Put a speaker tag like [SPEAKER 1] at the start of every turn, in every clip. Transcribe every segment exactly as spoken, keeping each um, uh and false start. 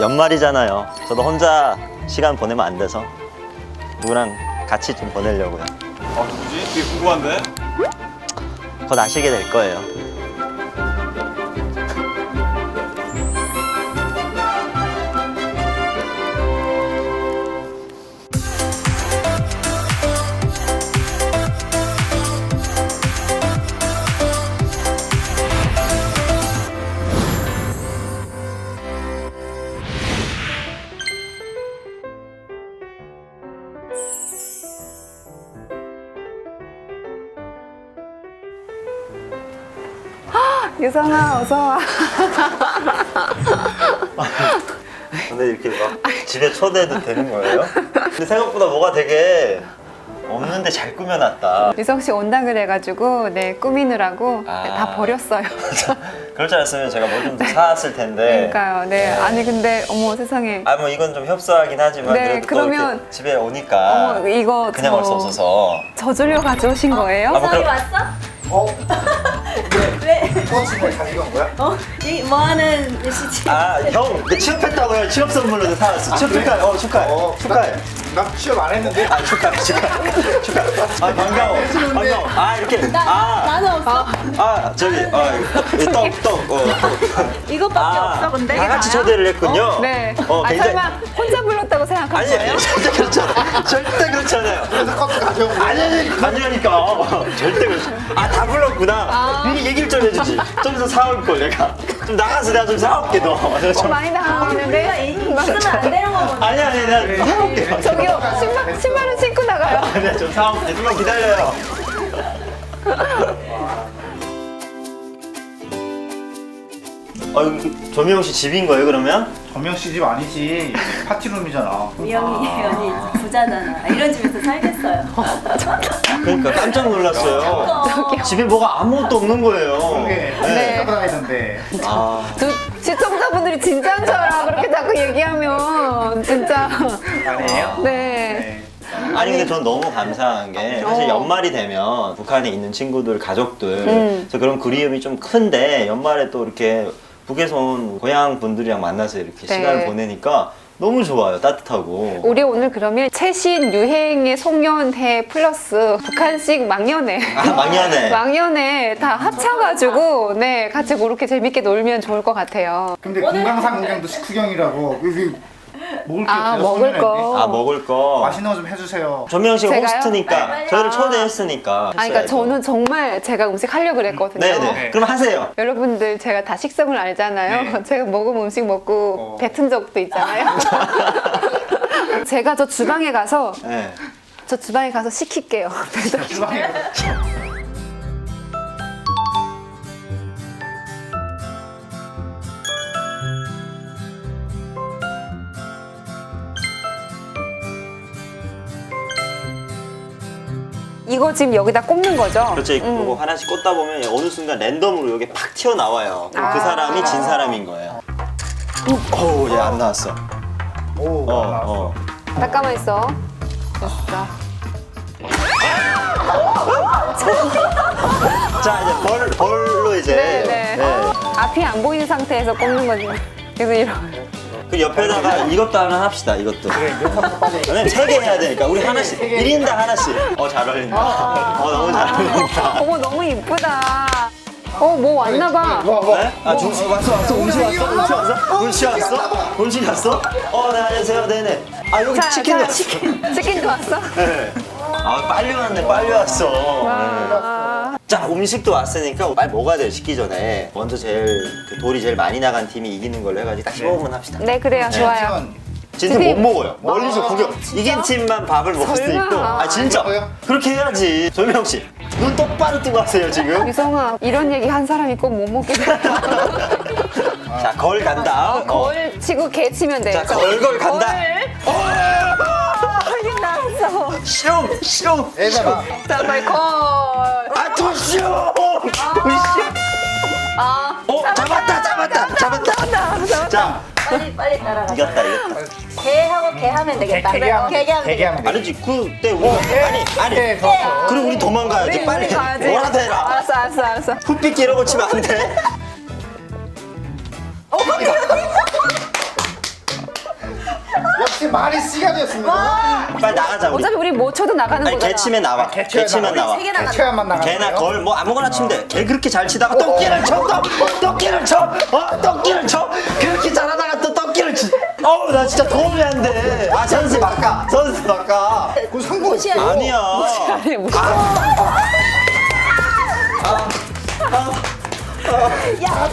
[SPEAKER 1] 연말이잖아요. 저도 혼자 시간 보내면 안 돼서 누구랑 같이 좀 보내려고요.
[SPEAKER 2] 아 누구지? 되게 궁금한데?
[SPEAKER 1] 곧 아시게 될 거예요.
[SPEAKER 3] 유성아 어서 와.
[SPEAKER 1] 근데 이렇게 막 집에 초대해도 되는 거예요? 근데 생각보다 뭐가 되게 없는데 잘 꾸며놨다.
[SPEAKER 3] 유성 씨 온다 그래가지고 네 꾸미느라고
[SPEAKER 1] 아.
[SPEAKER 3] 네, 다 버렸어요.
[SPEAKER 1] 그럴 줄 알았으면 제가 뭐 좀 더 사왔을 텐데.
[SPEAKER 3] 그러니까요. 네. 아니 근데 어머 세상에.
[SPEAKER 1] 아 뭐 이건 좀 협소하긴 하지만
[SPEAKER 3] 네,
[SPEAKER 1] 그래도 또
[SPEAKER 3] 그러면-
[SPEAKER 1] 이렇게 집에 오니까
[SPEAKER 3] 어머 이거
[SPEAKER 1] 그냥
[SPEAKER 3] 저
[SPEAKER 1] 올 수 없어서.
[SPEAKER 3] 저주려 가져오신 거예요?
[SPEAKER 1] 아, 뭐
[SPEAKER 4] 저기
[SPEAKER 1] 그럼-
[SPEAKER 4] 왔어?
[SPEAKER 5] 어?
[SPEAKER 4] 왜?
[SPEAKER 5] 버스를 가지고 온 거야?
[SPEAKER 4] 어? 이 뭐하는 시지?
[SPEAKER 1] 아 형, 내 취업했다고요. 취업 선물로 사왔어. 취업 축하해. 어 축하해.
[SPEAKER 5] 어,
[SPEAKER 1] 축하해.
[SPEAKER 5] 나, 나 취업 안 했는데?
[SPEAKER 1] 아 축하해 축하해 축하해. 아 반가워 반가워. 아 이렇게
[SPEAKER 4] 나,
[SPEAKER 1] 아.
[SPEAKER 4] 나는 없어.
[SPEAKER 1] 아 저기 떡떡 어.
[SPEAKER 4] 이것밖에 없어 근데?
[SPEAKER 1] 다 같이 초대를 했군요.
[SPEAKER 3] 네.
[SPEAKER 1] 어,
[SPEAKER 3] 아
[SPEAKER 1] 굉장히-
[SPEAKER 3] 설마 혼자 불렀다고 생각한
[SPEAKER 1] 아니
[SPEAKER 3] 거예요?
[SPEAKER 1] 아니 절대 그렇지 않아요. 절대 그렇지 않아요.
[SPEAKER 5] 그래서 커피 가져온 거야?
[SPEAKER 1] 아니 아니 아니라니까. 절대 그렇지. 아 다 불렀구나. 미리 얘기를 좀 해주지. 좀 더 사올 걸 내가. 좀 나가서 내가 좀 사올게 너.
[SPEAKER 3] 어, 많이 당하고
[SPEAKER 4] 우리가
[SPEAKER 3] 있는데.
[SPEAKER 4] 이- 쓰면 안 되는 거구나.
[SPEAKER 1] 아니 아니 내가 사올게.
[SPEAKER 3] 저기요 신발 신발은 신고 나가요.
[SPEAKER 1] 아니 좀 사올게. 좀만 기다려요. 어 여기 조미영 씨 집인 거예요 그러면?
[SPEAKER 5] 전명 씨 집 아니지. 파티룸이잖아.
[SPEAKER 4] 미영이 언니 부자잖아. 이런 집에서 살겠어요.
[SPEAKER 1] 그러니까 깜짝 놀랐어요. 집에 뭐가 아무것도 없는 거예요.
[SPEAKER 5] 그게
[SPEAKER 3] 네.
[SPEAKER 5] 갖고 다니던데.
[SPEAKER 1] 아.
[SPEAKER 3] 두 시청자분들이 진짜인 줄 알아. 그렇게 자꾸 얘기하면 진짜.
[SPEAKER 5] 아니에요?
[SPEAKER 3] 네.
[SPEAKER 5] 네.
[SPEAKER 1] 아니 근데 전 너무 감사한 게 사실 연말이 되면 북한에 있는 친구들 가족들
[SPEAKER 3] 음.
[SPEAKER 1] 그래서 그런 그리움이 좀 큰데 연말에 또 이렇게 북에서 온 고향 분들이랑 만나서 이렇게
[SPEAKER 3] 네.
[SPEAKER 1] 시간을 보내니까 너무 좋아요. 따뜻하고.
[SPEAKER 3] 우리 오늘 그러면 최신 유행의 송년회 플러스 북한식 망연회.
[SPEAKER 1] 아, 망연회.
[SPEAKER 3] 망연회 다 합쳐가지고 네 같이 그렇게 재밌게 놀면 좋을 것 같아요.
[SPEAKER 5] 근데 금강산 구경도 식후경이라고. 여기 먹을 게
[SPEAKER 3] 아,
[SPEAKER 5] 없어요.
[SPEAKER 3] 먹을
[SPEAKER 5] 송년회인데.
[SPEAKER 3] 거.
[SPEAKER 1] 아 먹을 거.
[SPEAKER 5] 맛있는 거 좀 해주세요.
[SPEAKER 1] 조명 씨가
[SPEAKER 3] 제가요?
[SPEAKER 1] 호스트니까
[SPEAKER 4] 빨리,
[SPEAKER 1] 저희를
[SPEAKER 3] 아.
[SPEAKER 1] 초대했으니까.
[SPEAKER 3] 아, 그러니까
[SPEAKER 1] 했어야죠.
[SPEAKER 3] 저는 정말 제가 음식 하려고 그랬거든요.
[SPEAKER 1] 네네.
[SPEAKER 5] 네.
[SPEAKER 1] 그럼 하세요.
[SPEAKER 3] 여러분들 제가 다 식성을 알잖아요.
[SPEAKER 5] 네.
[SPEAKER 3] 제가 먹은 음식 먹고
[SPEAKER 5] 어.
[SPEAKER 3] 뱉은 적도 있잖아요. 제가 저 주방에 가서
[SPEAKER 1] 네.
[SPEAKER 3] 저 주방에 가서 시킬게요.
[SPEAKER 5] 주방에
[SPEAKER 3] 이거 지금 여기다 꽂는 거죠?
[SPEAKER 1] 그렇죠.
[SPEAKER 3] 음.
[SPEAKER 1] 이거 하나씩 꽂다 보면 어느 순간 랜덤으로 이게 팍 튀어나와요. 그럼 그
[SPEAKER 3] 아.
[SPEAKER 1] 사람이 진 사람인 거예요. 어우, 얘 안 나왔어.
[SPEAKER 5] 오,
[SPEAKER 1] 어,
[SPEAKER 5] 나왔어.
[SPEAKER 1] 어.
[SPEAKER 3] 잠깐만 있어. 됐어.
[SPEAKER 1] 자, 이제 벌, 벌로 이제.
[SPEAKER 3] 네, 네.
[SPEAKER 1] 네.
[SPEAKER 3] 앞이 안 보이는 상태에서 꽂는 거지. 그래서 이런.
[SPEAKER 1] 그 옆에다가 이것도 하나 합시다, 이것도.
[SPEAKER 5] 그래, 몇 한번 빠져.
[SPEAKER 1] 왜냐면 세 개 해야 되니까. 우리 하나씩. 일 인당 하나씩. 어, 잘 어울린다. 어, 너무 잘 어울린다.
[SPEAKER 3] 어머 너무 이쁘다. 어 뭐 왔나 봐.
[SPEAKER 5] 와, 와.
[SPEAKER 1] 네? 아, 중, 어, 왔어, 왔어. 음식 왔어? 음식 왔어? 음식 왔어? 음식 왔어? 어, 네, 안녕하세요. 네네. 아, 여기
[SPEAKER 3] 자,
[SPEAKER 1] 치킨
[SPEAKER 3] 자,
[SPEAKER 1] 왔어.
[SPEAKER 3] 치킨 치킨도 왔어.
[SPEAKER 1] 네. 아, 빨리 왔네, 빨리 왔어. 네.
[SPEAKER 3] 와.
[SPEAKER 1] 자, 음식도 왔으니까 빨리 먹어야 돼요, 식기 전에. 먼저 제일, 그 돌이 제일 많이 나간 팀이 이기는 걸로 해가지고 딱 십오 분 합시다.
[SPEAKER 3] 네 그래요 좋아요.
[SPEAKER 5] 지원.
[SPEAKER 1] 진짜
[SPEAKER 3] 근데-
[SPEAKER 1] 못 먹어요. 멀리서 구경. 이긴 팀만 밥을 먹을 수
[SPEAKER 3] 설마.
[SPEAKER 1] 있고. 아, 진짜.
[SPEAKER 5] 그래요?
[SPEAKER 1] 그렇게 해야지. 조명 씨. 눈 똑바로 뜨고 하세요, 지금.
[SPEAKER 3] 유성아 이런 얘기 한 사람이 꼭 못 먹게 돼.
[SPEAKER 1] 자, 걸 간다. 어.
[SPEAKER 3] 걸 치고 개 치면 돼.
[SPEAKER 1] 자, 걸걸 간다.
[SPEAKER 3] 걸. 이게 나왔어.
[SPEAKER 1] 슝! 슝!
[SPEAKER 5] 얘들아.
[SPEAKER 3] 자 빨리 걸.
[SPEAKER 1] 아, 더 슝!
[SPEAKER 3] 아.
[SPEAKER 1] 어, 잡았다, 잡았다, 잡았다. 자,
[SPEAKER 4] 빨리 빨리 따라가.
[SPEAKER 1] 이겼다, 이겼다.
[SPEAKER 4] 개하고 개 하면 되겠다.
[SPEAKER 5] 개, 개하면
[SPEAKER 4] 개개 하면
[SPEAKER 5] 개개하면 돼.
[SPEAKER 1] 아니지, 그때 우리. 아니, 아니.
[SPEAKER 5] 네, 좋았어.
[SPEAKER 1] 그럼 우리 도망가야지.
[SPEAKER 3] 우리
[SPEAKER 1] 빨리.
[SPEAKER 3] 우리 가야지.
[SPEAKER 1] 뭐라도 해라.
[SPEAKER 3] 알았어 알았어 알았어.
[SPEAKER 1] 풋빛 이런 거 치면 안 돼.
[SPEAKER 5] 역시 말이 씨가 되었습니다.
[SPEAKER 1] 빨리 나가자 우리.
[SPEAKER 3] 어차피 우리 뭐 쳐도 나가는
[SPEAKER 1] 아니
[SPEAKER 3] 거잖아.
[SPEAKER 1] 개 치면 나와. 개
[SPEAKER 5] 개체만
[SPEAKER 1] 치면 나와.
[SPEAKER 4] 세개 나가.
[SPEAKER 5] 개체만 나가는
[SPEAKER 1] 개나
[SPEAKER 5] 거예요?
[SPEAKER 1] 걸 뭐 아무거나 치면 돼. 개 그렇게 잘 치다가 떡기를 쳐. 떡, 떡기를 쳐. 어, 떡기를 쳐. 그렇게 잘하다가 또 떡기를 치. 어우 나 진짜 도움이 안 돼. 아 선수 바꿔. 선수 바꿔.
[SPEAKER 5] 그 상관
[SPEAKER 1] 아니야.
[SPEAKER 3] 아니, 무슨
[SPEAKER 4] 야,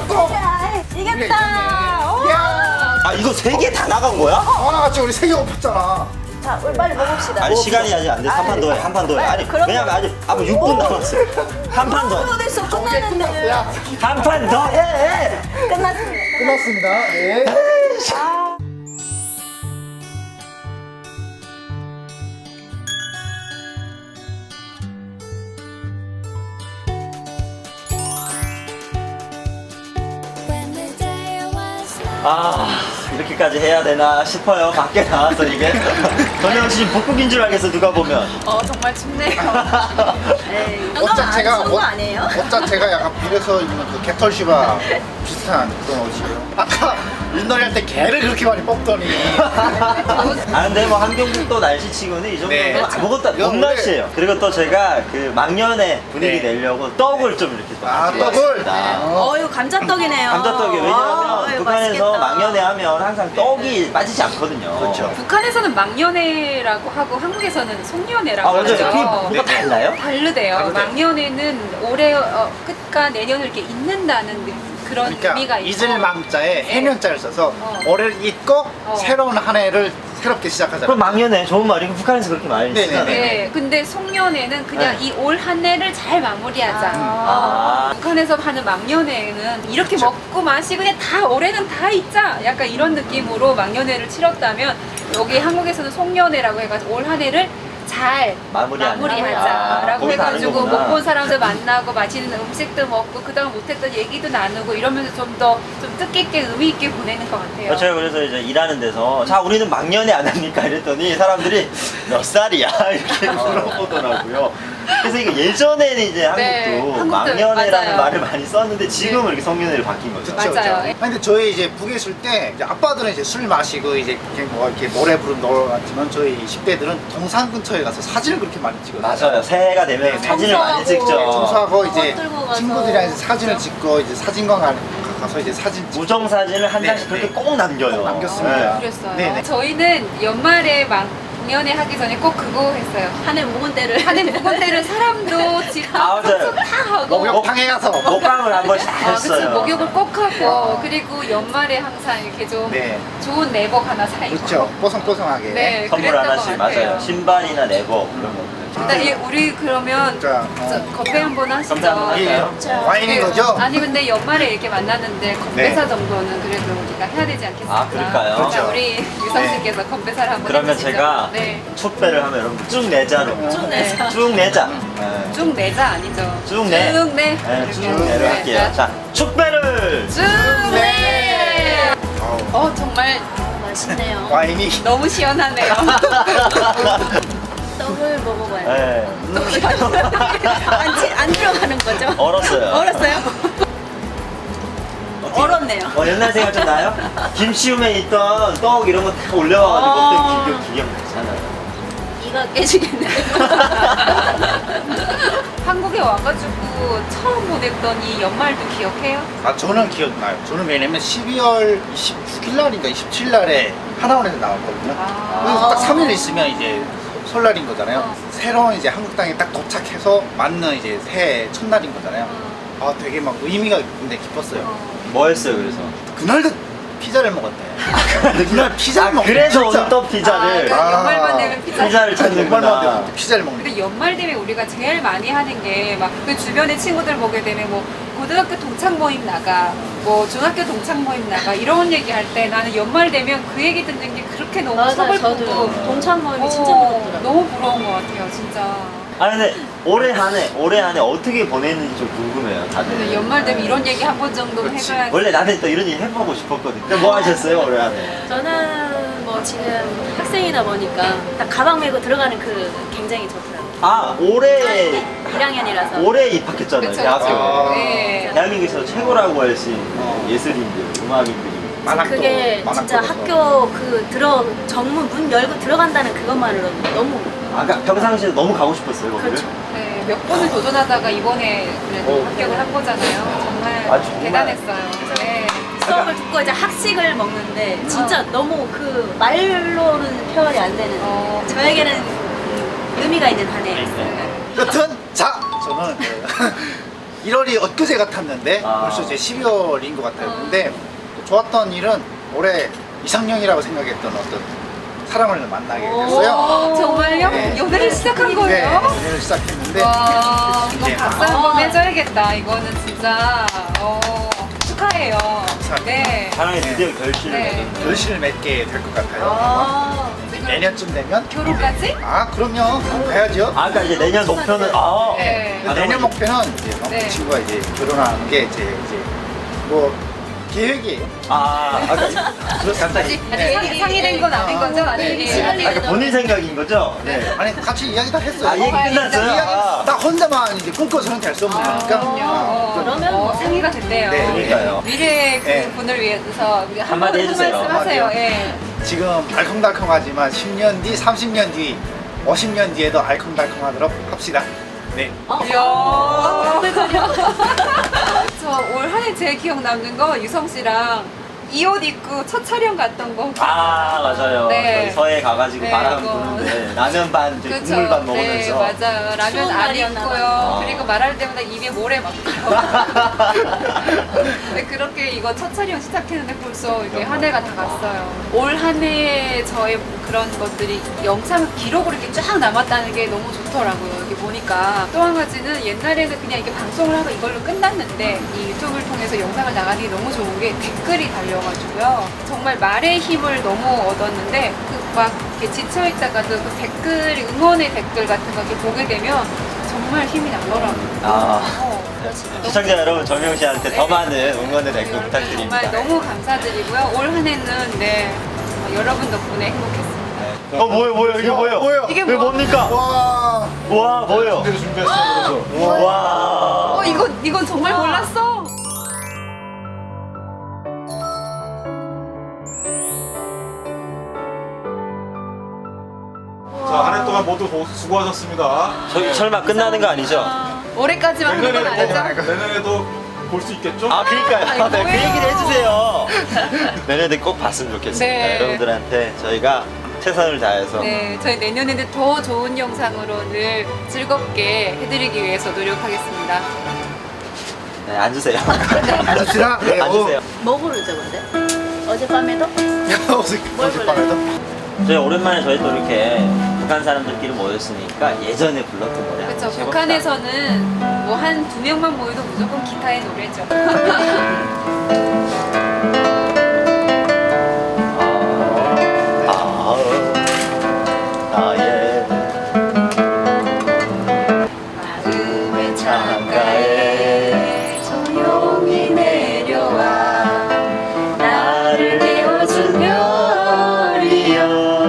[SPEAKER 4] 이겼다. 오.
[SPEAKER 5] 야,
[SPEAKER 1] 아 이거 세 개 다 나간 거야?
[SPEAKER 5] 하나같이 우리 세개 엎었잖아.
[SPEAKER 4] 자, 우리 빨리 먹읍시다.
[SPEAKER 1] 아니 시간이 아직 안 돼. 한 판 더 해. 한 판 더 해. 아니
[SPEAKER 4] 그럼-
[SPEAKER 1] 왜냐면 아직 아무 육 분 남았어. 한 판 더.
[SPEAKER 4] 어, 됐어. 끝났는데.
[SPEAKER 5] 야,
[SPEAKER 1] 한 판 더 해.
[SPEAKER 4] 끝났습니다.
[SPEAKER 5] 끝났습니다. 네.
[SPEAKER 1] 아 이렇게까지 해야 되나 싶어요. 밖에 나와서 이게 전영 씨 복국인 줄 알겠어 누가 보면.
[SPEAKER 3] 어 정말 춥네요.
[SPEAKER 4] 에이,
[SPEAKER 5] 옷
[SPEAKER 4] 이건
[SPEAKER 5] 자체가
[SPEAKER 4] 안 추운 거 아니에요?
[SPEAKER 5] 옷 자체가 약간 빌에서 입는 그 개털시바 비슷한 그런 옷이에요. 아까 윷놀이 할 때 개를 그렇게 많이 뽑더니
[SPEAKER 1] 아 근데 뭐 한경북도 날씨치고는 이 정도면
[SPEAKER 5] 네.
[SPEAKER 1] 아무것도 안-
[SPEAKER 5] 이건
[SPEAKER 1] 봄
[SPEAKER 5] 원래-
[SPEAKER 1] 날씨예요. 그리고 또 제가 그 막년에 분위기
[SPEAKER 5] 네.
[SPEAKER 1] 내려고 떡을 좀 이렇게 또
[SPEAKER 5] 아,
[SPEAKER 1] 가지고
[SPEAKER 5] 떡을?
[SPEAKER 1] 왔습니다.
[SPEAKER 5] 어.
[SPEAKER 4] 어, 이거 감자떡이네요.
[SPEAKER 1] 감자떡이 왜냐하면
[SPEAKER 4] 아, 이거
[SPEAKER 1] 북한에서
[SPEAKER 4] 맛있겠다.
[SPEAKER 1] 막년에 하면 항상 떡이 빠지지 않거든요.
[SPEAKER 5] 그렇죠.
[SPEAKER 3] 북한에서는 막년회라고 하고 한국에서는 송년회라고
[SPEAKER 1] 아 맞아요.
[SPEAKER 3] 하죠.
[SPEAKER 1] 그게 뭐가 달라요?
[SPEAKER 3] 다르대요.
[SPEAKER 5] 다르대요.
[SPEAKER 3] 막년회는 올해 어, 끝과 내년을 이렇게 잊는다는 느- 그런
[SPEAKER 5] 그러니까
[SPEAKER 3] 의미가 있고.
[SPEAKER 5] 잊을 망자에 해년자를 써서
[SPEAKER 3] 어.
[SPEAKER 5] 올해를 잊고
[SPEAKER 3] 어.
[SPEAKER 5] 새로운 한 해를 새롭게 시작하자.
[SPEAKER 1] 그럼 막년에 좋은 말이고 북한에서 그렇게 많이
[SPEAKER 5] 네네.
[SPEAKER 1] 쓰잖아요.
[SPEAKER 3] 네, 근데 송년회는 그냥
[SPEAKER 1] 네.
[SPEAKER 3] 이 올 한 해를 잘 마무리하자.
[SPEAKER 1] 아.
[SPEAKER 3] 어, 북한에서 하는 막년회는 이렇게 먹고 마시고 그냥 다 올해는 다 잊자. 약간 이런 느낌으로 막년회를 치렀다면 여기 한국에서는 송년회라고 해가지고 올 한 해를 잘
[SPEAKER 1] 마무리하는. 아,
[SPEAKER 3] 마무리하자라고
[SPEAKER 1] 거기 다른
[SPEAKER 3] 해가지고
[SPEAKER 1] 거구나.
[SPEAKER 3] 못 본 사람들 만나고 맛있는 음식도 먹고 그동안 못했던 얘기도 나누고 이러면서 좀 더 좀 뜻깊게 의미 있게 보내는 것 같아요.
[SPEAKER 1] 제가 그래서 이제 일하는 데서 자 우리는 막년에 안 합니까 이랬더니 사람들이 몇 살이야 이렇게 물어보더라고요. 그래서 이거 예전에는 이제 한국도
[SPEAKER 3] 네, 한국도
[SPEAKER 1] 막년회라는
[SPEAKER 3] 맞아요.
[SPEAKER 1] 말을 많이 썼는데 지금은 이렇게 성년회로 바뀐 거죠.
[SPEAKER 5] 그쵸,
[SPEAKER 3] 맞아요.
[SPEAKER 5] 그쵸. 아니, 근데 저희 이제 북에 있을 때 이제 아빠들은 이제 술 마시고 이제 이렇게 뭐 이렇게 노래 부르면 놀았지만 저희 십 대들은 동산 근처에 가서 사진을 그렇게 많이 찍어요.
[SPEAKER 1] 맞아요. 새해가 되면
[SPEAKER 5] 네,
[SPEAKER 1] 사진을 많이
[SPEAKER 3] 청소하고.
[SPEAKER 1] 찍죠.
[SPEAKER 5] 청소하고 이제
[SPEAKER 4] 들고 가서.
[SPEAKER 5] 친구들이랑 이제 사진을 찍고 이제 사진관 가- 가서 이제 사진 찍고
[SPEAKER 1] 우정 사진을 한
[SPEAKER 5] 네,
[SPEAKER 1] 장씩 그렇게
[SPEAKER 5] 네.
[SPEAKER 1] 꼭 남겨요.
[SPEAKER 5] 꼭 남겼습니다.
[SPEAKER 3] 그랬어요.
[SPEAKER 5] 네네.
[SPEAKER 3] 저희는 연말에 막년회 하기 전에 꼭 그거 했어요.
[SPEAKER 4] 한해 묵은 데를.
[SPEAKER 3] 한해 묵은 데를 사람도 집
[SPEAKER 1] 아, 맞아요.
[SPEAKER 3] 청소 다 하고
[SPEAKER 5] 목욕탕에 가서
[SPEAKER 1] 먹방을 한 번씩 다
[SPEAKER 3] 아, 그치.
[SPEAKER 1] 했어요.
[SPEAKER 3] 목욕을 꼭 하고 그리고 연말에 항상 이렇게 좀
[SPEAKER 5] 네.
[SPEAKER 3] 좋은 내복 하나 사입고
[SPEAKER 5] 그렇죠. 뽀송뽀송하게.
[SPEAKER 3] 네,
[SPEAKER 1] 선물
[SPEAKER 3] 그랬던
[SPEAKER 1] 하나씩
[SPEAKER 3] 것 같아요.
[SPEAKER 1] 맞아요. 신발이나 내복 이런 거.
[SPEAKER 3] 일단 이- 우리 그러면
[SPEAKER 5] 자,
[SPEAKER 3] 저
[SPEAKER 5] 어.
[SPEAKER 3] 건배 한번 하시죠.
[SPEAKER 1] 건배 한번
[SPEAKER 5] 이게
[SPEAKER 1] 할까요?
[SPEAKER 5] 와인인
[SPEAKER 3] 그,
[SPEAKER 5] 거죠?
[SPEAKER 3] 아니 근데 연말에 이렇게 만났는데 건배사
[SPEAKER 5] 네.
[SPEAKER 3] 정도는 그래도 우리가 해야 되지 않겠습니까?
[SPEAKER 1] 아, 그럴까요?
[SPEAKER 3] 자,
[SPEAKER 5] 그렇죠.
[SPEAKER 3] 우리 유성 씨께서 건배사를 한번
[SPEAKER 1] 그러면
[SPEAKER 3] 해주시죠.
[SPEAKER 1] 제가
[SPEAKER 3] 네.
[SPEAKER 1] 촛배를 하면 여러분 쭉 내자로.
[SPEAKER 4] 쭉 내자.
[SPEAKER 1] 쭉 내자. 네.
[SPEAKER 3] 쭉 내자 아니죠?
[SPEAKER 1] 쭉 내.
[SPEAKER 3] 쭉 내.
[SPEAKER 1] 네, 쭉
[SPEAKER 3] 이렇게.
[SPEAKER 1] 내로
[SPEAKER 3] 네,
[SPEAKER 1] 할게요.
[SPEAKER 3] 자,
[SPEAKER 1] 자, 촛배를.
[SPEAKER 3] 쭉 내.
[SPEAKER 5] 아우,
[SPEAKER 3] 어 정말
[SPEAKER 4] 맛있네요.
[SPEAKER 5] 와인이
[SPEAKER 3] 너무 시원하네요.
[SPEAKER 4] 떡을 먹어봐요.
[SPEAKER 1] 네.
[SPEAKER 4] 안, 치- 안 들어가는 거죠?
[SPEAKER 1] 얼었어요.
[SPEAKER 4] 얼었어요?
[SPEAKER 1] 어떻게-
[SPEAKER 4] 얼었네요.
[SPEAKER 1] 어, 옛날 생각 좀 나요? 김치움에 있던 떡 이런 거 다 올려와가지고
[SPEAKER 4] 아.
[SPEAKER 1] 먹던 기억, 기억 나잖아요.
[SPEAKER 4] 이가 깨지겠네요.
[SPEAKER 3] 한국에 와가지고 처음 보냈던 이 연말도 기억해요?
[SPEAKER 5] 아 저는 기억나요. 저는 왜냐면 십이월 이십육 일 날인가 이십칠 일 날에 하나원에서 나왔거든요.
[SPEAKER 3] 아.
[SPEAKER 5] 그래서 딱 삼 일 있으면 이제 설날인 거잖아요.
[SPEAKER 3] 어.
[SPEAKER 5] 새로운 이제 한국 땅에 딱 도착해서 맞는 이제 새해 첫날인 거잖아요. 아 되게 막 의미가 근데 깊었어요.
[SPEAKER 1] 뭐 했어요, 그래서?
[SPEAKER 5] 그날도 피자를 먹었대. 근데 그날 피자를
[SPEAKER 1] 아,
[SPEAKER 5] 먹었대.
[SPEAKER 1] 그래서
[SPEAKER 5] 진짜.
[SPEAKER 1] 오늘 또 피자를.
[SPEAKER 3] 아,
[SPEAKER 5] 아.
[SPEAKER 3] 연말만 되면 피자.
[SPEAKER 1] 피자를
[SPEAKER 5] 정말만
[SPEAKER 1] 찾는구나.
[SPEAKER 5] 되면 피자를 먹는.
[SPEAKER 3] 근데 연말 되면 우리가 제일 많이 하는 게 막 그 주변에 친구들 보게 되면 뭐 고등학교 동창 모임 나가 뭐 중학교 동창 모임 나가 이런 얘기 할 때 나는 연말 되면 그 얘기 듣는 게 그렇게 너무
[SPEAKER 4] 맞아요.
[SPEAKER 3] 서글프고
[SPEAKER 4] 저도 동창 모임이 진짜
[SPEAKER 3] 어,
[SPEAKER 4] 부럽더라고요.
[SPEAKER 3] 너무 부러운 것 같아요 진짜.
[SPEAKER 1] 아 근데 올해 한 해, 올해 한 해 어떻게 보냈는지 좀 궁금해요, 다들.
[SPEAKER 3] 근데 연말 되면 이런 얘기 한 번 정도는
[SPEAKER 5] 그렇지.
[SPEAKER 3] 해줘야지.
[SPEAKER 1] 원래 나는 또 이런 얘기 해보고 싶었거든. 근데 뭐 하셨어요, 올해 한 해?
[SPEAKER 4] 저는 뭐 지금 학생이다 보니까 딱 가방 메고 들어가는 그 굉장히 좋더라고요.
[SPEAKER 1] 아, 올해,
[SPEAKER 4] 일 학년이라서.
[SPEAKER 1] 올해 입학했잖아요,
[SPEAKER 3] 그쵸,
[SPEAKER 1] 대학교에.
[SPEAKER 3] 그쵸.
[SPEAKER 5] 아.
[SPEAKER 3] 네.
[SPEAKER 1] 대한민국에서 최고라고 할 수 있는
[SPEAKER 5] 어.
[SPEAKER 1] 예술인들, 음악인들이
[SPEAKER 5] 만학도
[SPEAKER 4] 그게 진짜
[SPEAKER 5] 만학도에서.
[SPEAKER 4] 학교 그 들어 정문 문 열고 들어간다는 그것만으로도 너무
[SPEAKER 1] 아까 평상시에 너무 가고 싶었어요 거기를.
[SPEAKER 4] 그렇죠.
[SPEAKER 3] 네, 몇 번을 도전하다가 이번에 그래도
[SPEAKER 1] 어.
[SPEAKER 3] 합격을 한 거잖아요. 정말,
[SPEAKER 1] 아, 정말.
[SPEAKER 3] 대단했어요. 네.
[SPEAKER 4] 수업을 듣고 이제 학식을 먹는데 진짜 너무 그 말로는 표현이 안 되는
[SPEAKER 3] 어.
[SPEAKER 4] 저에게는 음, 의미가 있는 한 해였어요.
[SPEAKER 5] 여튼 자 저는 그 일월이 엊그제 같았는데
[SPEAKER 1] 아.
[SPEAKER 5] 벌써 이제 십이월인 것 같아요. 근데 좋았던 일은 올해 이상형이라고 생각했던 어떤 사람을 만나게 됐어요.
[SPEAKER 3] 오, 정말요?
[SPEAKER 5] 네.
[SPEAKER 3] 연애를 시작한
[SPEAKER 5] 네,
[SPEAKER 3] 거예요?
[SPEAKER 5] 연애를 시작했는데
[SPEAKER 3] 와, 이거
[SPEAKER 5] 이제
[SPEAKER 3] 박수 한번 해줘야겠다. 이거는 진짜 어, 축하해요. 네.
[SPEAKER 1] 사랑이 드디어 결실을
[SPEAKER 3] 네.
[SPEAKER 1] 맺었네요.
[SPEAKER 5] 결실을 맺게 될 것 같아요.
[SPEAKER 3] 아,
[SPEAKER 5] 이제
[SPEAKER 3] 지금
[SPEAKER 5] 내년쯤 되면
[SPEAKER 3] 결혼까지?
[SPEAKER 5] 아 그럼요 가야죠.
[SPEAKER 1] 아, 그러니까 이제 내년 목표는 아,
[SPEAKER 3] 네.
[SPEAKER 5] 근데 내년 목표는 이제 그
[SPEAKER 3] 네.
[SPEAKER 5] 친구가 이제 결혼하는 게 이제 이제 뭐 계획이에요.
[SPEAKER 1] 아, 아까 갑자기
[SPEAKER 3] 아직 아직 상의, 상의된 건 아닌 거죠? 아직
[SPEAKER 4] 네,
[SPEAKER 3] 예, 아직.
[SPEAKER 1] 아까 본인 생각인 거죠?
[SPEAKER 5] 네. 아니 같이 이야기 다 했어요.
[SPEAKER 1] 아, 얘기
[SPEAKER 3] 어,
[SPEAKER 1] 끝났어요?
[SPEAKER 5] 이야기
[SPEAKER 1] 아.
[SPEAKER 5] 나 혼자만 이제 꿈꿔서는 될 수 없는
[SPEAKER 3] 아,
[SPEAKER 5] 거니까.
[SPEAKER 3] 그럼요.
[SPEAKER 5] 아,
[SPEAKER 3] 어,
[SPEAKER 4] 그러면
[SPEAKER 3] 어,
[SPEAKER 4] 뭐.
[SPEAKER 3] 상의가 됐네요.
[SPEAKER 5] 네,
[SPEAKER 1] 그러니까요.
[SPEAKER 3] 미래 그
[SPEAKER 5] 네.
[SPEAKER 3] 분을 위해서 한
[SPEAKER 1] 한마디
[SPEAKER 3] 번-
[SPEAKER 1] 해주세요.
[SPEAKER 3] 한 말씀 하세요.
[SPEAKER 5] 한마디요?
[SPEAKER 3] 예.
[SPEAKER 5] 지금 알콩달콩하지만 십 년 뒤, 삼십 년 뒤, 오십 년 뒤에도 알콩달콩하도록 합시다. 네.
[SPEAKER 4] 어?
[SPEAKER 3] 이야. 저 올 한 해 제일 기억 남는 거 유성 씨랑 이 옷 입고 첫 촬영 갔던 거.
[SPEAKER 1] 아, 맞아요.
[SPEAKER 3] 네.
[SPEAKER 1] 저희 서해 가가지고
[SPEAKER 3] 네,
[SPEAKER 1] 바람
[SPEAKER 3] 그거.
[SPEAKER 1] 부는데 라면 반, 이제
[SPEAKER 3] 그쵸?
[SPEAKER 1] 국물 반
[SPEAKER 3] 네,
[SPEAKER 1] 먹으면서.
[SPEAKER 3] 맞아요. 라면
[SPEAKER 4] 추운
[SPEAKER 3] 안
[SPEAKER 4] 날이었나
[SPEAKER 3] 입고요.
[SPEAKER 1] 봐요.
[SPEAKER 3] 그리고 말할 때마다 입에 모래 막고요. 네, 그렇게 이거 첫 촬영 시작했는데 벌써 이게 한 해가 다 갔어요. 올 한 해에 저의 그런 것들이 영상 기록으로 이렇게 쫙 남았다는 게 너무 좋더라고요. 이렇게 보니까. 또 한 가지는 옛날에는 그냥 이게 방송을 하고 이걸로 끝났는데 이 유튜브를 통해서 영상을 나가는 게 너무 좋은 게 댓글이 달려가지고요. 정말 말의 힘을 너무 얻었는데 그 막 이렇게 지쳐있다가도 그 댓글이 응원의 댓글 같은 거 이렇게 보게 되면 정말 힘이 나더라고요.
[SPEAKER 1] 아.
[SPEAKER 3] 어,
[SPEAKER 1] 시청자 여러분, 정영 씨한테 더
[SPEAKER 3] 네.
[SPEAKER 1] 많은 응원의 댓글
[SPEAKER 3] 여러분
[SPEAKER 1] 부탁드립니다.
[SPEAKER 3] 정말 너무 감사드리고요. 올 한 해는 네 어, 여러분 덕분에 행복했습니다.
[SPEAKER 1] 어, 뭐예요, 뭐예요, 이게 뭐예요?
[SPEAKER 5] 뭐예요?
[SPEAKER 3] 이게
[SPEAKER 1] 이게
[SPEAKER 3] 뭐?
[SPEAKER 1] 뭡니까?
[SPEAKER 5] 와.
[SPEAKER 1] 와, 뭐예요?
[SPEAKER 2] 준비했어. 그래서.
[SPEAKER 1] 와.
[SPEAKER 3] 어 이건 이건 정말 몰랐어.
[SPEAKER 2] 자, 한 해 동안 모두 고- 수고하셨습니다.
[SPEAKER 1] 저희 설마 끝나는 거 아니죠?
[SPEAKER 3] 올해까지만 하는 건 아니죠?
[SPEAKER 2] 내년에도 볼 수 있겠죠?
[SPEAKER 1] 아, 그러니까요.
[SPEAKER 3] 아니,
[SPEAKER 1] 네, 그
[SPEAKER 3] 뭐예요?
[SPEAKER 1] 얘기를 해주세요. 내년에 꼭 봤으면 좋겠습니다.
[SPEAKER 3] 네.
[SPEAKER 1] 여러분들한테 저희가 최선을 다해서.
[SPEAKER 3] 네, 저희 내년에는 더 좋은 영상으로 늘 즐겁게 해드리기 위해서 노력하겠습니다.
[SPEAKER 1] 네, 앉으세요.
[SPEAKER 5] 앉읍시다. 네, 어.
[SPEAKER 1] 앉으세요.
[SPEAKER 4] 뭐 부르죠 근데? 어젯밤에도?
[SPEAKER 5] 어제
[SPEAKER 4] 뭘
[SPEAKER 5] 어젯밤에도
[SPEAKER 1] 저희 오랜만에 저희 또 이렇게 북한 사람들끼리 모였으니까 예전에 불렀던 노래
[SPEAKER 3] 그렇죠.
[SPEAKER 1] 한번 해볼까?
[SPEAKER 3] 북한에서는 뭐 한 두 명만 모여도 무조건 기타의 노래죠.
[SPEAKER 1] 아, 아, 나의
[SPEAKER 3] 마음의
[SPEAKER 1] 창가에
[SPEAKER 3] 조용히 내려와
[SPEAKER 1] 나를
[SPEAKER 3] 깨워준
[SPEAKER 1] 별이여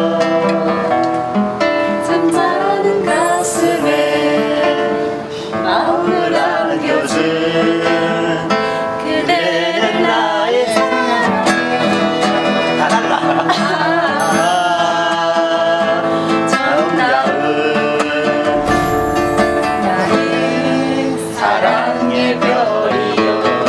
[SPEAKER 3] 잠자는 가슴에
[SPEAKER 1] 마음을 안겨준
[SPEAKER 3] 그대는 나의 사랑.
[SPEAKER 1] 다 달라. 정다운
[SPEAKER 3] 나의
[SPEAKER 1] 사랑의 별이여.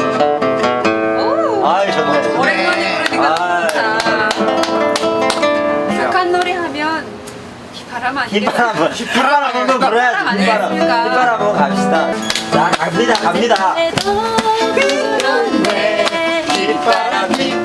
[SPEAKER 3] 오!
[SPEAKER 1] 아이, 좋네.
[SPEAKER 3] 오랜만에 부르니까
[SPEAKER 1] 아,
[SPEAKER 3] 좋다. 북한 노래 하면 비바람 아니겠어요?
[SPEAKER 1] 휘바람, 휘바람 한번 불어야지.
[SPEAKER 3] 휘바람
[SPEAKER 1] 휘바람,
[SPEAKER 3] 아니겠습니까?
[SPEAKER 1] 휘바람 한번 갑시다. 자, 갑니다, 갑니다.
[SPEAKER 4] 그래도 그런데
[SPEAKER 1] 휘바람, 휘바람.